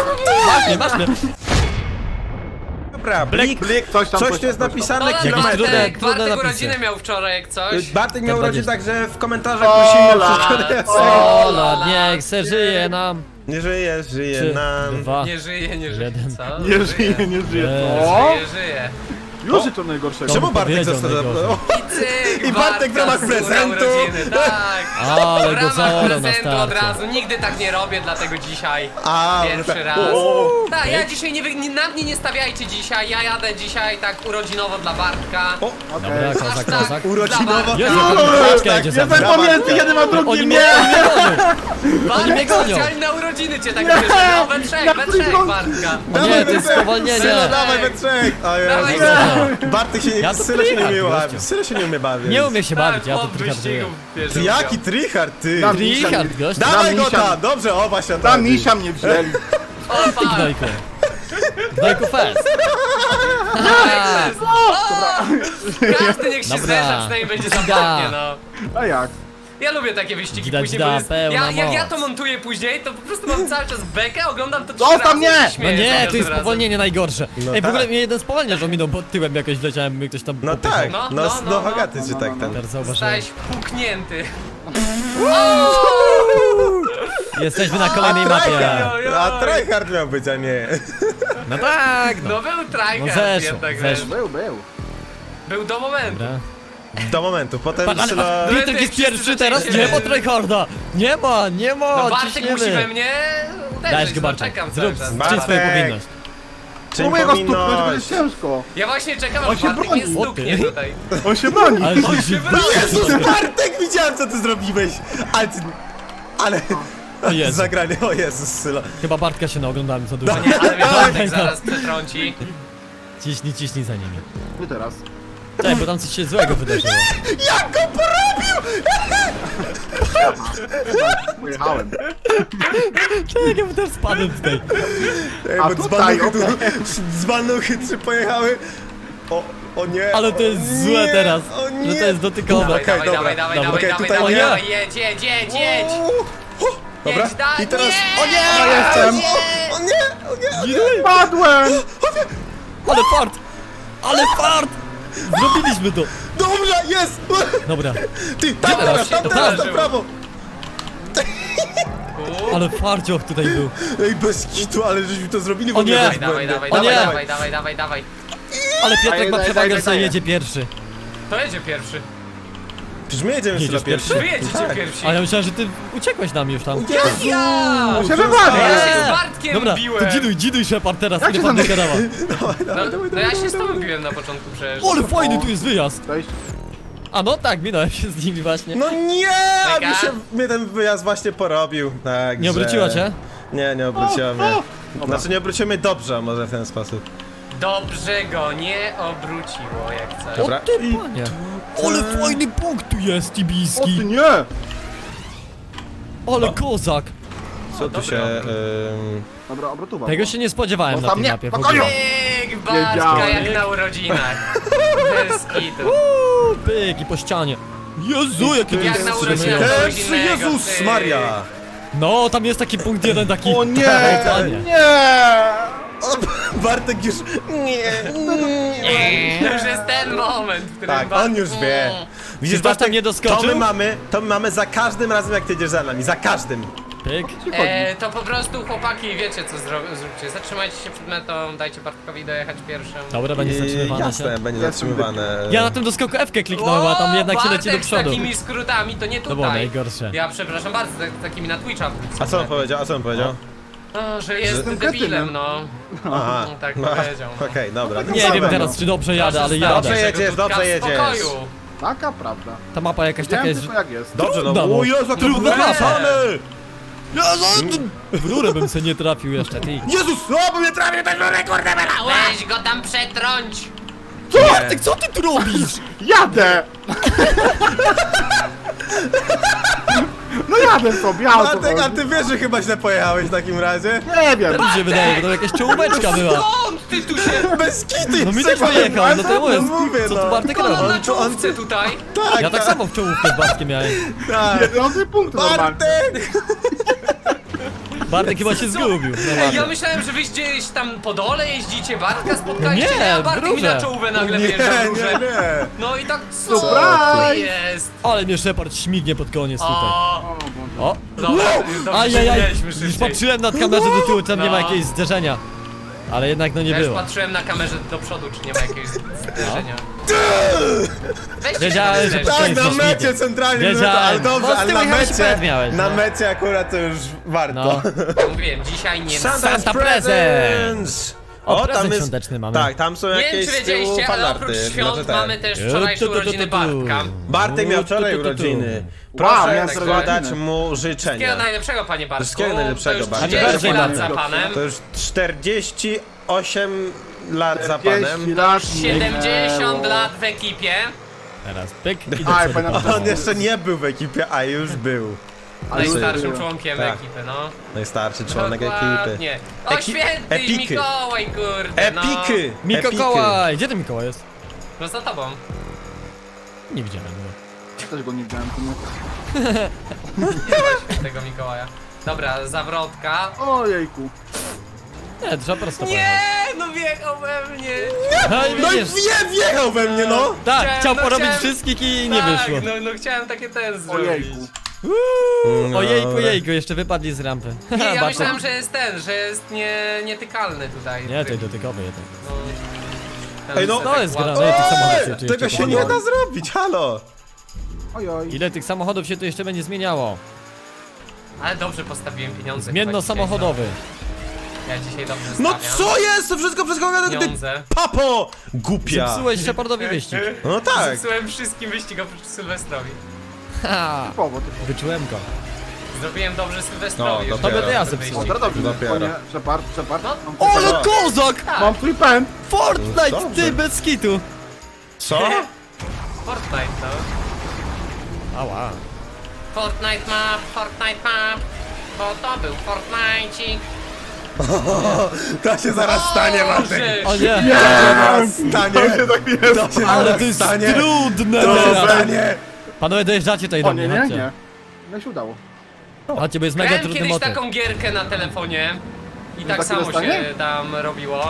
Masz mnie. Dobra, blik, coś tu jest napisane, Jakieś kilometr. trudne Bartek napisy. urodziny miał wczoraj, jak coś. Bartek miał Te urodziny, 20. także w komentarzach prosimy wszystko jest. Ola, niech se żyje nam. Nie żyje, żyje 3, nam. 2, Nie żyje, nie żyje, Jeden. co? Nie żyje, nie żyje. Eee. O! Żyje, żyje. Już jest to najgorszego. Czemu Bartek powiedział został? najgorzej. O, I cyk, I Bartek w ramach Bartka z prezentu. urodziny, tak. Ale W go ramach zaorał na prezentu od starcie. razu, nigdy tak nie robię, dlatego dzisiaj A, pierwszy tak. raz. O, Tak, ja dzisiaj na mnie nie stawiajcie dzisiaj, ja jadę dzisiaj tak urodzinowo dla Bartka. o, Dobra, Okej. kozak, tak. kozak. urodzinowo. Jezu, paczka jedzie za mną. Jestem pomiędzy jednym a drugim, Oni mnie nie! gonią. Oni mnie gonią. Chcieli na urodziny cię tak bierzemy, we trzech Bartka. O nie, to jest spowolnienie. Sylo, dawaj we trzech. O Dawaj, Jezu. Nie. Bartek się Ja nie, to Sylo się nie umie tryhard, bawić. gościu. Sylo się nie umie bawić. Nie umie się bawić, ja to od tryharduję. wyścigów bierze Ty udział. jaki tryhard, ty. Dam Tryhard, gość. Dawaj go misia. tam, dobrze, o właśnie Ta tak. misia mnie wzięli. O, fuck. Gnojku. Gnojku fest. Każdy niech się Dobra. zderza, przynajmniej będzie zabawnie, no. A jak? Ja lubię takie wyścigi Gida, później, gida, bo jest, pełna jak ja moc. to montuję później, to po prostu mam cały czas bekę, oglądam to 3 Zostaw razy mnie! i się No śmieję za nie, każdym to jest razem. spowolnienie najgorsze. No Ej, w tak. ogóle mnie jeden spowalnia, że minął pod tyłem jakoś wleciałem, mnie ktoś tam No popychał. tak, No, no, no, no, no, Hogaty no, czy no, tak no, tam. Teraz zauważyłem. Zostałeś puknięty. Jesteśmy na kolejnej mapie. Ojoj. A tryhard miał być, a nie. No tak, no. No był tryhard No zeszło, jednak, zeszło. Był. Był do momentu. Dobra. Do momentu, potem Ale Sylo... Piotrek jest Wszyscy pierwszy teraz, zaczęli nie się- ma tryharda. Nie ma, No Bartek musi we ciśniemy. mnie Dajesz uderzyć, go, no Bartek. czekam Zrób, cały czas. Bartek. czyń swoją powinność. Czyń Próbuję go stuknąć, będzie powinność. ciężko. Ja właśnie czekam, On aż się Bartek broni. mnie stuknie tutaj. On się broni. Ale ty się Jezus, Bartek, widziałem co ty zrobiłeś! Ale ty... Ale... O Jezu. Zagranie, o Jezus, Sylo. Chyba Bartka się naoglądałem za dużo. Nie, ale mnie Bartek zaraz przetrąci. Ciśnij za nimi. Ty teraz. Cześć, bo tam coś się złego wydarzyło. Jak go porobił! Pojechałem. Czekaj, ja też spadłem tutaj. Ej, A bo tutaj, dzbanuchy tu... Dzbanuchy trzy pojechały. O nie. Ale to jest o złe nie, teraz, O nie. że to jest dotykowe. Dawaj, Okej, dawaj, dobra, dawaj, dobra, dawaj, okej, dawaj, tutaj dawaj, nie. dawaj, jedź. Dobra, Jedź dalej. i teraz... Nie! O nie! Ja jestem. O nie! O nie! Padłem! Ale fart! Ale fart! Zrobiliśmy to! Dobrze, jest! Dobra, Ty, tam teraz? teraz, tam To teraz, na wydarzyło. prawo! ale farcioch tutaj był. Ej, bez kitu, ale żeśmy to zrobili w O ogóle nie! bez Dawaj, błędu. dawaj, O nie! dawaj. Ale Piotrek ma Daj, przewagę, daj, że sobie daj. jedzie pierwszy. To jedzie pierwszy. Przecież my jedziemy Jedziesz Sylo pierwszy. Wy jedziecie pierwsi. A ja myślałem, że ty uciekłeś nam już tam. Jezu! Ja! Się wywalił! Ja się Eee. z Bartkiem Dobra, biłem. to dziduj Shepard teraz, Jak ile się pan tam- gadała. No ja się z tobą biłem na początku przecież. Ale fajny tu jest wyjazd. Cześć. A no tak, minąłem się z nimi właśnie. No nie! A Mega. mnie ten wyjazd właśnie porobił. Tak, Nie obróciła cię? Nie, nie obróciła mnie. Znaczy nie obróciła mnie dobrze, a może w ten sposób. Dobrze go nie obróciło jak coś. Dobra. O ty panie. Ale fajny punkt tu jest, O ty Tibiski. nie! Ale kozak. Co tu się... Dobra, obrotował. Tego się nie spodziewałem na Zostaw tej mnie, mapie w spokojnie. ogóle. Pyk, Bartka Wiedziałem. jak na urodzinach. Bez kitu. Pyk i po ścianie. Jezu, jakie to Jak jest na stresujące. urodzinach. Też Jezus Maria! No, tam jest taki punkt jeden, taki... O nie! Tak, panie. Nie! O, Bartek już... Nie. To już jest ten moment, w którym Tak, on już wie. Widzisz, Czy ktoś tam nie doskoczył? to my mamy za każdym razem, jak ty jedziesz za nami. Za każdym. Pyk. To po prostu chłopaki wiecie co zróbcie. Zatrzymajcie się przed metą, dajcie Bartkowi dojechać pierwszym. Dobra, będzie zatrzymywane Jasne, się. będzie zatrzymywane. Ja na tym doskoku F-kę kliknąłem, a tam jednak się leci do Bartek z przodu. takimi skrótami to nie To było tutaj. najgorsze. Ja przepraszam bardzo, takimi na Twitcha. A co on powiedział? No, że jest Jestem debilem, kretynem. no. Aha. Tak No, powiedział. no. Okej, dobra. Nie wiem teraz, czy dobrze jadę, ale Proszę jadę. stać się, Dobrze jedziesz, Dudka, dobrze w jedziesz. spokoju. Taka prawda. Ta mapa jakaś taka Wiem jest... tylko jak jest. Dobrze, no. Trudno, O Jezu, jak to trudno było mapa. wyrażone! W rurę bym se nie trafił jeszcze, ty. Jezus, o, bo mnie trafił ten rurę, kurde, bela! Weź go tam przetrąć! Co? Ty, co ty tu robisz? Jadę! No jadę sobie, ja o co Bartek, a chodzi. ty wiesz, że chyba źle pojechałeś w takim razie? Nie wiem. Mi się wydaje, bo to jakaś czołóweczka była. Skąd ty tu się... Bez kity! No mi też wyjechał, no to jest. mówię, Co no. tu Bartek On robi? na czołówce tutaj. Tak, Ja tak samo w czołówkę z Bartkiem miałem. tak. Jedzący punkt normalnie. Bartek! Bartek chyba się zgubił. No Ej, ja ładnie. myślałem, że wy gdzieś tam po dole jeździcie, Bartka spotkaliście, Nie, a Bartek mi wróżę. na czołówę nagle Nie, wjeżdża nie, duże. nie. No i tak, co Surprise! to jest? Ale mnie Shepard śmignie pod koniec tutaj. O, O Boże. O! dobra, dobrze, Ajajaj! mieliśmy Już szybciej. patrzyłem nad kamerze do tyłu, tam nie ma No. jakiegoś zderzenia. Ale jednak no nie Ja już było. patrzyłem na kamerze do przodu, czy nie ma jakiegoś zderzenia. Weźcie Wiedziałem, się że tam Tak, jest na nie mecie śmignie. centralnie, Wiedziałem. ale dobrze, Bo z ale tyłu na jechałeś mecie, przed miałeś, na no. mecie akurat to już warto. No. Mówiłem, dzisiaj nie Santa Presents! O, O, prezent tam jest... świąteczny mamy. Tak, tam są Nie wiem, jakieś czy z tyłu wiedzieliście, ale oprócz fanarty. świąt Znaczy, mamy też wczorajsze urodziny Bartka. Bartek miał wczoraj Tu. urodziny. Wow, Proszę miałem składać urodziny. mu Wszystkiego życzenia. najlepszego, panie Bartku. Wszystkiego najlepszego, To już Bartek. 30 lat Bardzo za dobrze. panem. To już 48 lat za panem. 40 lat 70 lat w ekipie. Teraz pyk i do Aj, przodu. panie On jeszcze nie był w ekipie, a już był. Najstarszym było. członkiem Tak. ekipy, no. Najstarszy członek ekipy. Dokładnie. O, święty Epiki. Mikołaj, kurde, no. Epiki! Mikołaj! Gdzie ten Mikołaj jest? No za tobą. Nie widziałem go. Też go nie widziałem. to nie- Tego Mikołaja. Dobra, zawrotka. Ojejku. Nie, trzeba prosto Nie, no wjechał we mnie. pojechać. No No i i widzisz. wjechał we mnie, no! Tak, chciał no porobić chciałem- wszystkich i nie Tak, wyszło. no chciałem takie ten zrobić. Ojejku. No, Ojejku, dobra. jejku, jeszcze wypadli z rampy. Nie, ja Bardzo- myślałem, że jest ten, że jest nietykalny tutaj. Nie, to dotykowy jednak. No, Ej, no, to jest ładny. gra, no i tych samochodów się tu Tego jeszcze się nie pojawi. da zrobić, halo! Ojoj. Ile tych samochodów się tu jeszcze będzie zmieniało? Ale dobrze postawiłem pieniądze. Zmienno chyba dzisiaj, samochodowy. no. Ja dzisiaj dobrze No stawiam. co jest? To wszystko przez kogo? Ty Pieniądze. papo! Głupia! Zepsułeś Shepardowi wyścig. No tak. Zepsułem wszystkim wyścig oprócz Sylwestrowi. Ha, Typowo, typowo. wyczułem go. Zrobiłem dobrze Sylwestrowi. No, że dopiero. To będę ja ten zepsuł. wyścig. Dobra, dobrze. Dopiero. Spokojnie. Shepard. No. Mam O, twój ale kozak! Tak, Mam twój pęd. Fortnite, Dobrze. ty bez kitu! Co? Fortnite, no. Ała. Fortnite ma, bo to był Fortnite'cik. To się zaraz stanie, Bartek! O nie, Zaraz stanie! To się ale zaraz to jest stanie! trudne To się teraz. stanie! Panowie, dojeżdżacie tutaj O do nie, mnie, nie, chodźcie. nie. No i się udało. Chodźcie, bo jest mega Grałem trudny kiedyś motyw. taką gierkę na telefonie i tak takie samo dostanie? się tam robiło.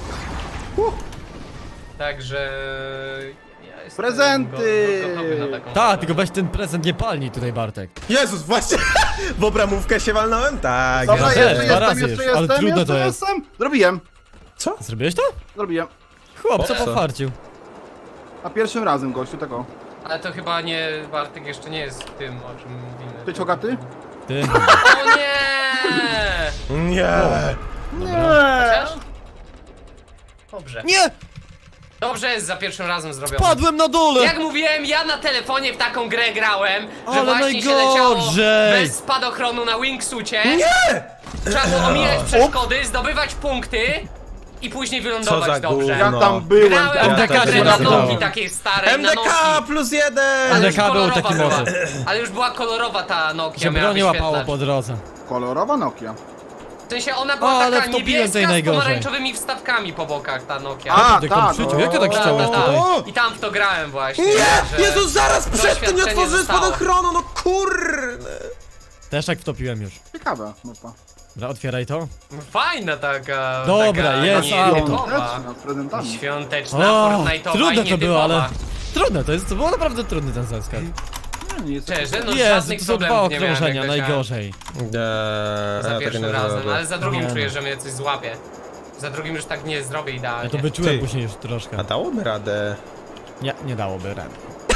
Także... Ja jestem Prezenty! gotowy na taką Tak, tylko weź ten prezent nie palnij tutaj, Bartek. Jezus, właśnie! W obramówkę się walnąłem? Tak. Dobra, też, jeszcze dwa razy jestem, jeszcze już, ale jestem, trudno to jeszcze jest. jestem. Zrobiłem. Co? Zrobiłeś to? Zrobiłem. Chłop, co Co? pofarcił? A pierwszym razem, gościu, tego. Ale to chyba nie, Bartek jeszcze nie jest tym, o czym mówimy. Ty czogaty? Ty. O nie! Nie! Chociaż? Dobrze. Nie! Dobrze jest za pierwszym razem zrobione. Padłem na dole! Jak mówiłem, ja na telefonie w taką grę grałem, że Ale właśnie się leciało najgorzej! bez spadochronu na wingsucie. Nie! Trzeba było omijać przeszkody, zdobywać punkty i później Co wylądować za dobrze. gówno. Ja tam byłem. Grałem MDK w taką grę się na nazywało. nogi takiej starej, na MDK nogi. plus 1! Ale już MDK był kolorowa taki była. motyw. Ale już była kolorowa ta Nokia, Się miała broni łapało wyświetlacz. po drodze. Kolorowa Nokia. W sensie ona była O, ale taka wtopiłem niebieska tej z najgorzej. pomarańczowymi wstawkami po bokach ta Nokia. A, Ty tak, komprzyciu, no. jak ty tak Ta, chciałeś ta, ta. tutaj? I tam w to grałem właśnie. Nie! że- Jezus, zaraz przed tym nie doświadczenie otworzyłem zostało. spadochronu, no kurde! Też tak wtopiłem już. Ciekawe, mapa. Dobra, otwieraj to. Fajna taka. Dobra, taka jest nietypowa. Świąteczna, z prezentami. Świąteczna, O, Fortnite'owa trudne i to było, ale... nietypowa. Trudne to było naprawdę trudny ten zaskak. Nie, nie jest Szczerze, no Jezu, żadnych to są dwa problemów nie miałem, okrążenia, jak leciałem najgorzej. za pierwszym razem, ale za drugim Nie no. czuję, że mnie coś złapie. Za drugim już tak nie zrobię Ja idealnie. to wyczułem Ty. później już troszkę. A dałoby radę. Nie, nie dałoby rady.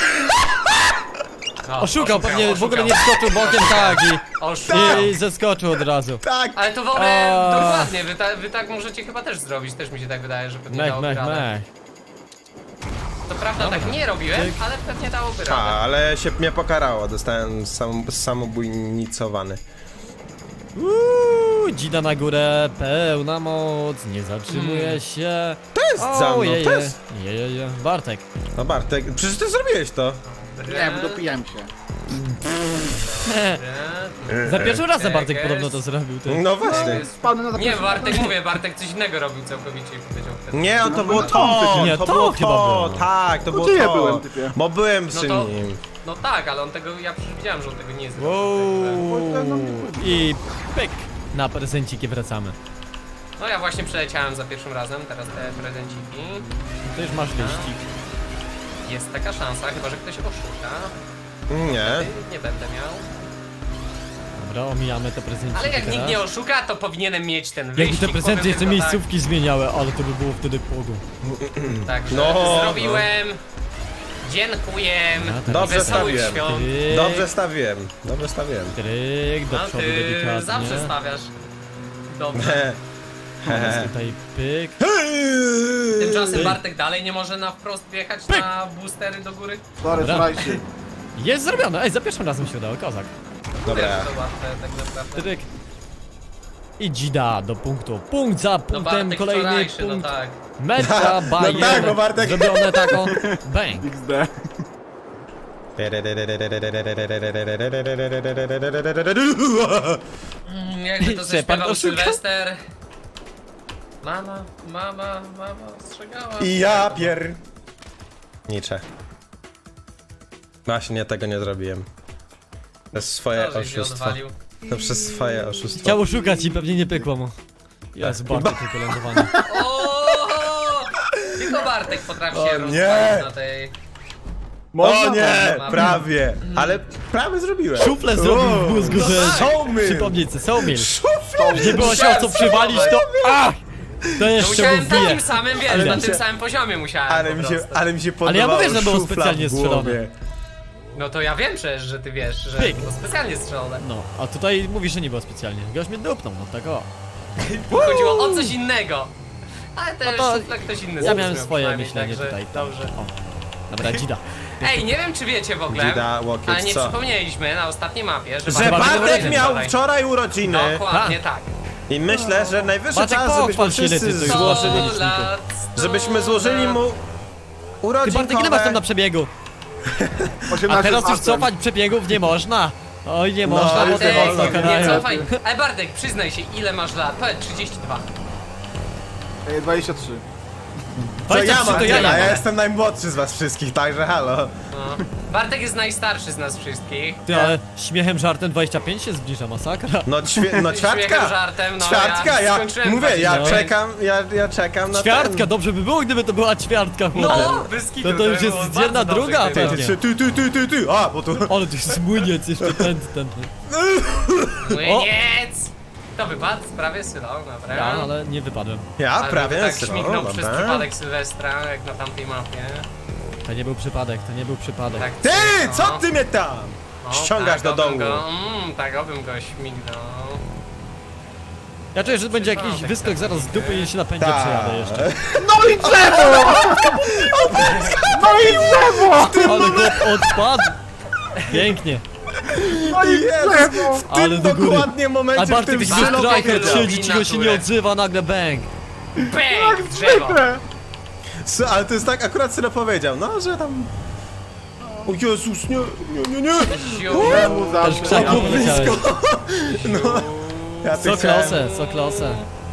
No, Oszukał, pewnie w ogóle oszukał. nie wskoczył bokiem, tak, Oszukał. i zeskoczył od razu. Tak! Ale to wolę, A. dokładnie, wy tak możecie chyba też zrobić, też mi się tak wydaje, że pewnie Mech, dałoby mech, radę. mech. To prawda, Dobra. tak nie robiłem, Tyk. ale pewnie dałoby A, radę. ale się mnie pokarało, dostałem samobójnicowany. Dzida na górę, pełna moc, nie zatrzymuje się. To jest za mną, to jest... Je. Bartek. No Bartek, przecież ty zrobiłeś to. Nie, dopijałem się. Za pierwszym razem Tak Bartek jest. podobno to zrobił, ty. No właśnie. Spadnę na Nie, zaplecze. Bartek, mówię, Bartek coś innego robił całkowicie i powiedział wtedy. Nie, to było to! Nie, to to było chyba to! było. Tak, to było gdzie ja to! byłem, typie? Bo byłem No przy to- nim. No tak, ale on tego, ja przecież widziałem, że on tego nie zrobił. Wow. także- I pyk. na prezenciki wracamy. No ja właśnie przeleciałem za pierwszym razem, teraz te prezenciki. To już masz wyścig. Jest taka szansa, chyba że ktoś oszuka. Nie. Nie będę miał. Dobra, omijamy te prezenciki Ale jak nikt teraz. nie oszuka, to powinienem mieć ten Jakby wyścig. te prezenty powiem jeszcze tylko miejscówki zmieniały, ale to by było wtedy pogo. Tak, także No, zrobiłem. Dziękuję. A, teraz Dobrze Wesołych stawiłem. świąt. Tryk, Dobrze stawiłem. Dobrze stawiłem. tryk, do A przodu ty delikatnie. zawsze stawiasz. Dobrze. Teraz tutaj pyk. Tymczasem Bartek dalej nie może na wprost wjechać na boostery do góry. Sorry, Dobra. słuchajcie. Jest zrobione, ej, za pierwszym razem się udało, kozak. Dobra. Wiesz, to łatwe tak naprawdę. Tryk. I dzida do punktu. Punkt za No punktem, Bartek kolejny wczorajszy, no punkt. tak. Meta Bayer. tak, bo Bartek- Zrobione taką. Bang. XD. Jakby to Shepard zaśpiewał oszuka? Sylwester. Mama ostrzegała. I ja pier... Nicze. Właśnie tego nie zrobiłem. Przez swoje To, żeś się oszustwo. odwalił. To przez swoje oszustwo. Chciał szukać i pewnie nie pykło mu. Jest bardzo tylko lądowanie. O! Tylko Bartek potrafi się O rozwalić nie! na tej... O nie, Można. prawie. Ale prawie zrobiłem. Szuflę zrobił w mózgu, że... Sołmyl. Przypomnij sobie, Sołmil. Szuflę! Nie było się o co przywalić, to... Ach! To No jeszcze musiałem mu wbije. takim samym, wiesz, Ale na mi tym się- samym poziomie musiałem Ale po mi się, prostu. ale mi się Ale ja podobało mówię, że było szufla specjalnie w głowie. strzelone. No to ja wiem przecież, że ty wiesz, że Pyk. to specjalnie strzelone. No, a tutaj mówisz, że nie było specjalnie. Goś mnie dupnął, no tak o. Chodziło o coś innego. Ale też No to szufla ktoś inny Ja zrobił miałem swoje przynajmniej, myślenie także tutaj. Dobrze. O. Dobra, dzida. Ej, nie wiem czy wiecie w ogóle, Dzida, łokieć, ale nie co? przypomnieliśmy na ostatniej mapie, że Że Bartek Bartek miał miał wczoraj. wczoraj urodziny. Dokładnie tak. I myślę, że najwyższy Bartek, czas, pochwal żebyśmy się, ile ty wszyscy tu złożyli... złożyli. 100 lat, 100 Żebyśmy złożyli lat. mu Ty Bartek, ile masz tam na urodzinkowe... przebiegu? 18 A teraz już pasem. cofać przebiegów nie można. Oj, nie można, bo ale ty ty Bartek, mocno wolno, nie kanają. cofaj. Ej Bartek, przyznaj się, ile masz lat? Powiedz 32. 23. Co ja 23 mam to ja tyle, nie ja mam. jestem najmłodszy z was wszystkich, także halo. No. Bartek jest najstarszy z nas wszystkich. Ty, ale śmiechem, żartem 25 się zbliża, masakra. No, Śmiechem, ćwiartka! żartem, no Ćwiartka, ja ja skończyłem mówię, ja 25. czekam, ja czekam na Ćwiartka, ten. dobrze by było, gdyby to była ćwiartka, chłopie. No, bez kitu, To już by jest było jedna bardzo dobrze, druga, gdyby- pewnie. Ty, a, bo tu... Ale to jest młyniec jeszcze ten. Młyniec! To wypadł z prawie Sylą, dobra. Ja, ale nie wypadłem. Ja Ale prawie tak syno, śmignął przez dobra. przypadek Sylwestra, jak na tamtej mapie. To nie był przypadek, to nie był przypadek. Tak, Ty, no. co ty mnie tam? O, Ściągasz do tak, obym domu. Go, tak, obym go śmignął. Ja czuję, że będzie jakiś Przypadek, wyskok tak. zaraz z dupy i się na pędzie Tak. przejadę jeszcze. No i drzewo! No i drzewo! Ale chłop odpadł! Pięknie. No i Jezus, drzewo! w Ale tym do góry. dokładnie A momencie, w Bartek tym jest Sylo striker, powiedział. siedzi, cicho się nie odzywa, nagle bang. Bang! Drzewo! Zwykle! Ale to jest tak, akurat Sylo powiedział, no, że tam... O Jezus, nie. Ziu, Czemu Też zawsze? krzaku powiedziałeś. Ja tu Co chciałem- klasę, co klasę.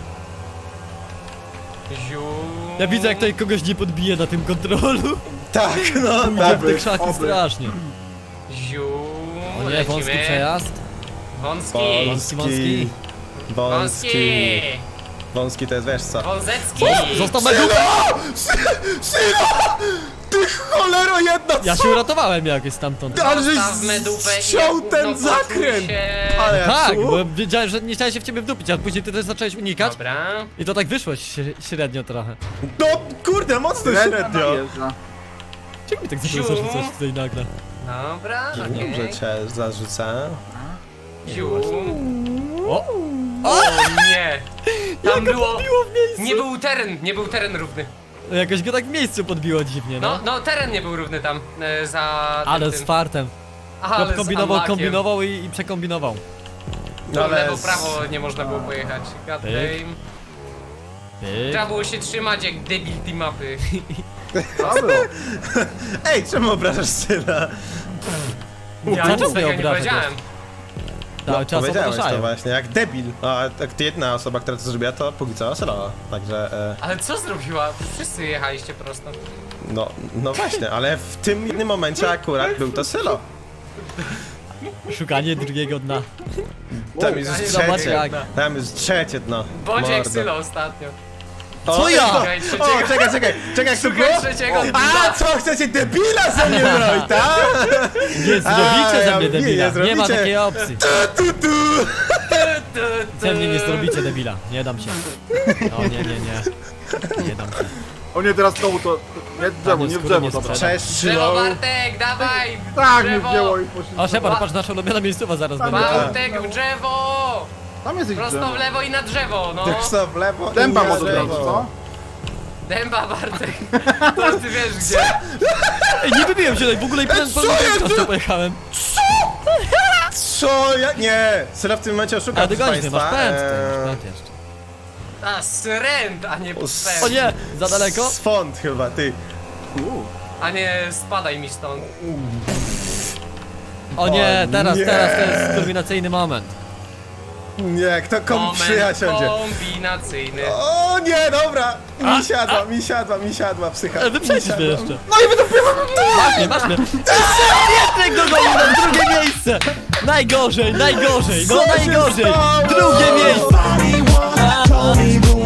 ziu. Ja widzę, jak tutaj kogoś nie podbije na tym kontrolu. Tak, no, Idzie tak. w te krzaki oby. strasznie. Ziu. O nie, wąski lecimy. przejazd. Wąski. Wąski. Wąski. Wąski to jest, wiesz co? Wązecki. Został na dupę! Sylo! Ty cholero jedna, co? Ja się uratowałem jakoś stamtąd. Ale żeś Zostaw medupę i ściął jak ten gówno zakręt! poczuj się. Ale ja Tak, tu- bo wiedziałem, że nie chciałem się w ciebie wdupić, a później ty też zacząłeś unikać. Dobra. I to tak wyszło średnio trochę. No kurde, mocno średnio. Najeżdża. Czemu mi tak Ziu. zaczął zarzucać tutaj nagle? Dobra, Dobrze okej. cię zarzucę. Ziu. O! O nie! Tam było... Podbiło w miejscu! Nie był teren równy. No jakoś go tak w miejscu podbiło dziwnie, No, no. no teren nie był równy tam, za Ale tym. z fartem. Ale Chłop z kombinował, unlockiem. kombinował i przekombinował. No, Ale lewo, z- prawo nie można było pojechać. God Pyk. damn. Pyk. Trzeba było się trzymać jak debil tej mapy. Co było? Ej, czemu obrażasz Syla? Ja Cały nic czas mnie takiego nie obraża powiedziałem. Cały czas Powiedziałeś to opraszają. właśnie, jak debil. A tak jedna osoba, która to zrobiła, to póki co Sylo. Także, Ale co zrobiła? Wszyscy jechaliście prosto. no właśnie, ale w tym jednym momencie akurat był to Sylo. Szukanie drugiego dna. Tam jest już Zobacz trzecie. jak. Tam jest trzecie dno. Bądź jak Mordo. Sylo ostatnio. O, ja? Szukaj O, trzeciego. czekaj, jak to było? Szukaj trzeciego dna. A, co, chcecie debila ze mnie zrobić, tak? Nie zrobicie ze mnie nie debila. Nie ma zrobicie. takiej opcji. Tu. Ze mnie nie zrobicie debila. Nie dam się. O nie. Nie dam się. O nie, teraz znowu to... Nie w drzewo, nie w drzewo, dobra. Cześć, Drzewo, Sylo. Bartek, dawaj! Tak, mnie Drzewo. wzięło i poszli. O, Shepard, patrz, nasza ulubiona miejscowa zaraz będzie. Bartek, w drzewo! Tam jest ich Prosto drzewo. w lewo i na drzewo, no. Tak co, w lewo Dęba i na może lewo. zrobić, co? Dęba, Bartek. To ty wiesz gdzie. Ej, nie wybiłem się tutaj w ogóle i co jest? prosto pojechałem. Co? Ja... Nie! Sylo w tym momencie oszuka, Ale proszę dogonisz mnie, masz państwa. pęd, ty, masz pęd jeszcze. A, sręt, a nie pęd. O nie, za daleko? Swąd chyba, ty. A nie, spadaj mi stąd. O nie, teraz, nie. to jest kulminacyjny moment. Nie, kto komu przyja siądzie? Kombinacyjny. O nie, dobra! Mi siadła psycha. Wyprzedzisz mnie jeszcze. No i masz mnie. Pietrek dogonił nam drugie miejsce. Najgorzej, no Co się najgorzej. stało? Drugie miejsce. Nobody once told me, boom,